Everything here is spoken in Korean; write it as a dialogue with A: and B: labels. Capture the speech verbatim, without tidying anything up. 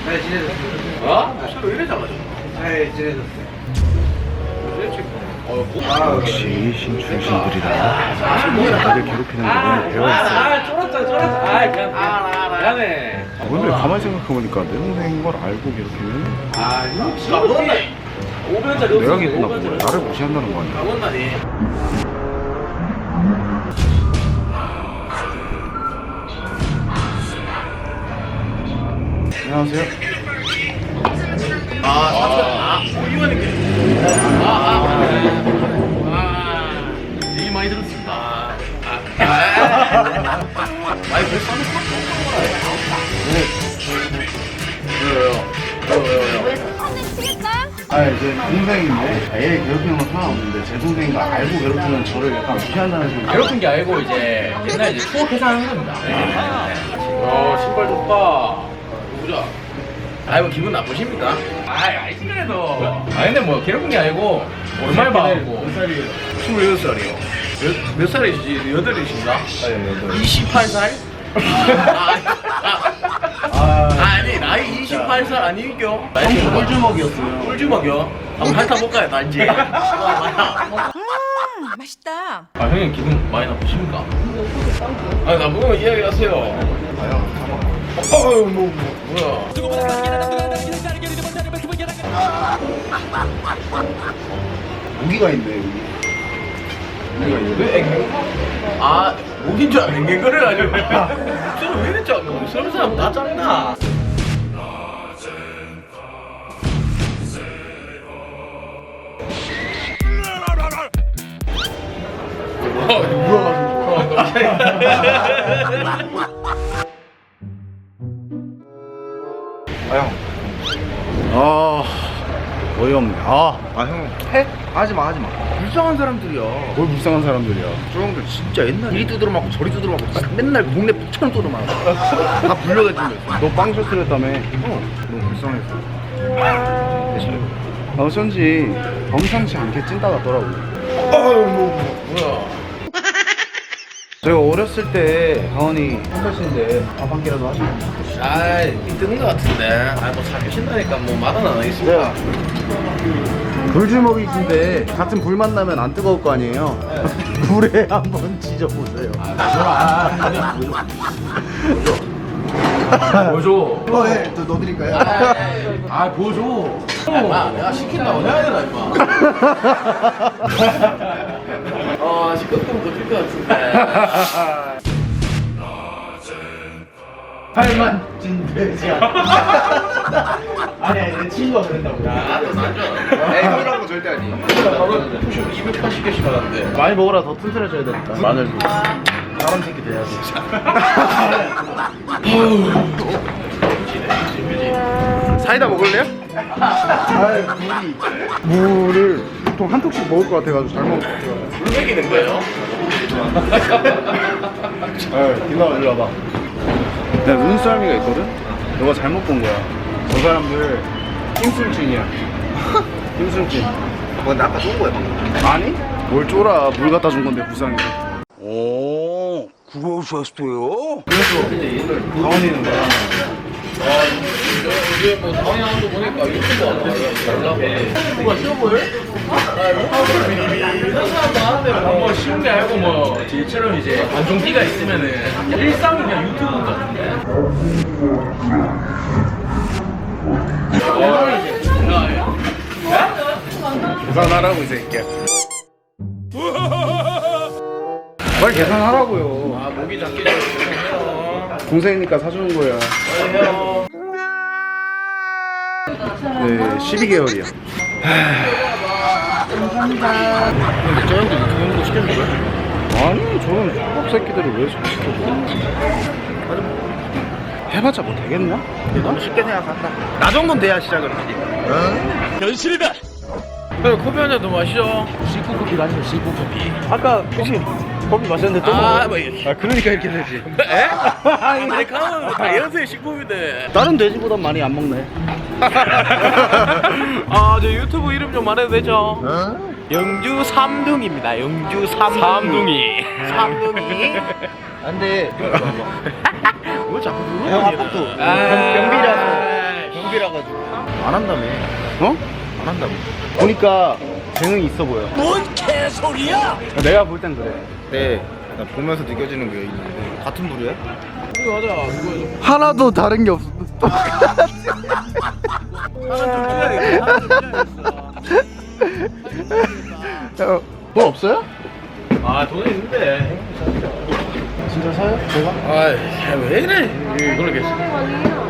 A: 네, 지내줬어요.
B: 어? 서로 이래 잡아줘.
A: 네, 지내줬어요.
B: 어, 뭐?
A: 아,
C: 역시 신출신들이라 다들 괴롭히는 거 오늘 배워있어요.
B: 아, 쫄았다, 쫄았다. 아, 미안, 미안. 미안해.
C: 오늘 가만히 생각해보니까 내 동생인 걸 알고 괴롭히면
B: 아, 이거 진짜 뭔데? 오변짜리
C: 내가 기분나고 나를 무시한다는 거 아니야.
B: 뭔다니?
C: 안녕하세요.
B: 아, 사천. 아, 이거니까. 아, 아, 아. 얘기 많이 들었습니다. 아, 아. 아니, 왜 싸는 왜요? 왜요? 왜요?
D: 왜 손을 치겠다?
C: 아, 이제 동생인데 얘 괴롭히는 건 상관없는데 제 동생인 거 알고 괴롭히면 저를 약간 무시한다는 식으로.
B: 괴롭힌 게 아니고 이제 옛날 이제 추억 회상하는 겁니다. 어, 신발 좋다. 보자. 아이고 기분 나쁘십니까? 아이 아이지 그래도. 아 근데 뭐 괴롭힌 게 아니고 얼마나 봐고. 몇 살이에요? 스물여덟 살이요. 몇, 몇 살이시지? 여덟이신가?
C: 아, 여덟.
B: 이십팔 살? 아, 아, 아, 아니 나이 이십팔 살 아니죠?
C: 형 꿀주먹이었어요.
B: 꿀주먹이요? 한번 핥아볼까요 단지?
D: 음, 맛있다.
B: 아 형님 기분 많이 나쁘십니까? 아니 나쁘면 이야기하세요.
C: 아형 잡아.
B: 어휴 뭐, 뭐 뭐야?
C: 무기가 있네 여기. 무기가 있네.
B: 왜 앵? 아 목인 줄 알고 앵앵거려가지고 목소리 왜 이랬지? 뭐 서른 사람 다 짱나.
C: 아 형. 아 어이없네. 아,
A: 아, 형, 해? 하지마, 하지마. 불쌍한 사람들이야.
C: 뭘 불쌍한 사람들이야.
A: 저 형들 진짜 옛날에 이리 두드려 맞고 저리 두드려 맞고 진짜 맨날 동네 북처럼 두드려 맞고 다 불려다니면서.
C: 너 빵 셔츠랬다며.
A: 어, 너무 불쌍했어. 대신에.
C: 나 어쩐지 범상치 않게 찐따 같더라고.
B: 어휴 뭐 뭐야?
C: 제가 어렸을 때 가원이 한 살인데 밥 한 끼라도 하시고.
B: 아이 뜨는 것 같은데. 아뭐 사귀신다니까 뭐 말은 안 하겠습니다.
C: 불주먹이신데 같은 불 만나면 안 뜨거울 거 아니에요? 물에 한번 지져보세요.
B: 보여줘.
A: 어, 예, 또 넣어드릴까요?
B: 아 보여줘. 아 내가 시킨다고 해야 되나 임마. 아 시끄럽면 못할 것 같은데.
A: 팔만 찐 돼지. 아니, 아니, 내 친구가 그랬다고.
B: 나도 나죠.
A: 에이, 형이라는 거 절대 아니에요.
B: 바로 푸시업 이백팔십 개씩 받았는데.
C: 많이 먹어라. 더 튼튼해져야 되니까. 마늘도. 사람 새끼 돼야지.
A: 사이다 먹을래요?
C: 물을 보통 한 톡씩 먹을 것 같아가지고 잘 먹을 것 같아요.
B: 물 먹이는 거예요?
C: 아, 김나와 일로 와봐. 내가 눈썰미가 있거든? 너가 잘못 본 거야. 저 사람들 낌술진이야. 낌술진.
A: 뭐, 나 아까 쏜 거야, 방금.
C: 아니? 뭘 쫄아. 물 갖다 준 건데 부상이.
E: 오, 그러셨어요?
C: 가원이는 뭐야?
B: 이제 뭐 다운이 하는 거 보니까 유튜브 하는 연락에 누가 쉬워 보여? 이런 사람도 하는데 뭐 쉬운 게 아니고 뭐 저희처럼 이제 관종기가 있으면은 일상이 그냥 유튜브 같은데.
C: 계산하라고 이 새끼야. 빨리 계산하라고요.
B: 아 목이 작게 해요.
C: 동생이니까 사주는 거야. 네, 십이 개월이야.
B: 근데 저 형도 유튜브 하는 거 시켜준 거야?
C: 아니, 저런 족밥 새끼들을 왜 시켜줘? 해봤자 뭐 되겠냐?
A: 너무 쉽게 생각한다. 나 정도는 돼야 시작을 하지.
B: 형 커피 한 잔 더 마시죠. 시쿠 커피가 아니고 시쿠 커피.
A: 아까 혹시 커피 마셨는데 또
B: 아,
A: 먹어요?
B: 뭐,
A: 아, 그러니까 이렇게 되지.
B: 에? 아메리카노는 다 연세 식품인데.
C: 다른 돼지보단 많이 안 먹네.
B: 아, 저 유튜브 이름 좀 말해도 되죠? 영주 삼둥입니다. 영주 삼둥이. 삼둥이. 삼둥이.
A: 안 돼.
B: 뭐 자꾸
A: 형
B: 누르는
A: 아까도
B: 아,
A: 경비라서.
B: 형
A: 족이라 가지고 안 한다며.
C: 어?
A: 안 한다며.
C: 보니까 재능이 있어 보여.
E: 뭔 개소리야!
C: 내가 볼 땐 그래.
A: 네, 나 보면서 느껴지는 게 있는데 같은 부류야?
B: 이거 하자. 이거 해줘.
A: 하나도 다른 게 없어.
B: 하나 좀 줘야겠다. 하나 좀 줘야겠어.
C: 돈 없어요?
B: 아 돈은 있는데.
C: 진짜 사요? 제가?
B: 아왜 이래? 이걸로 계시.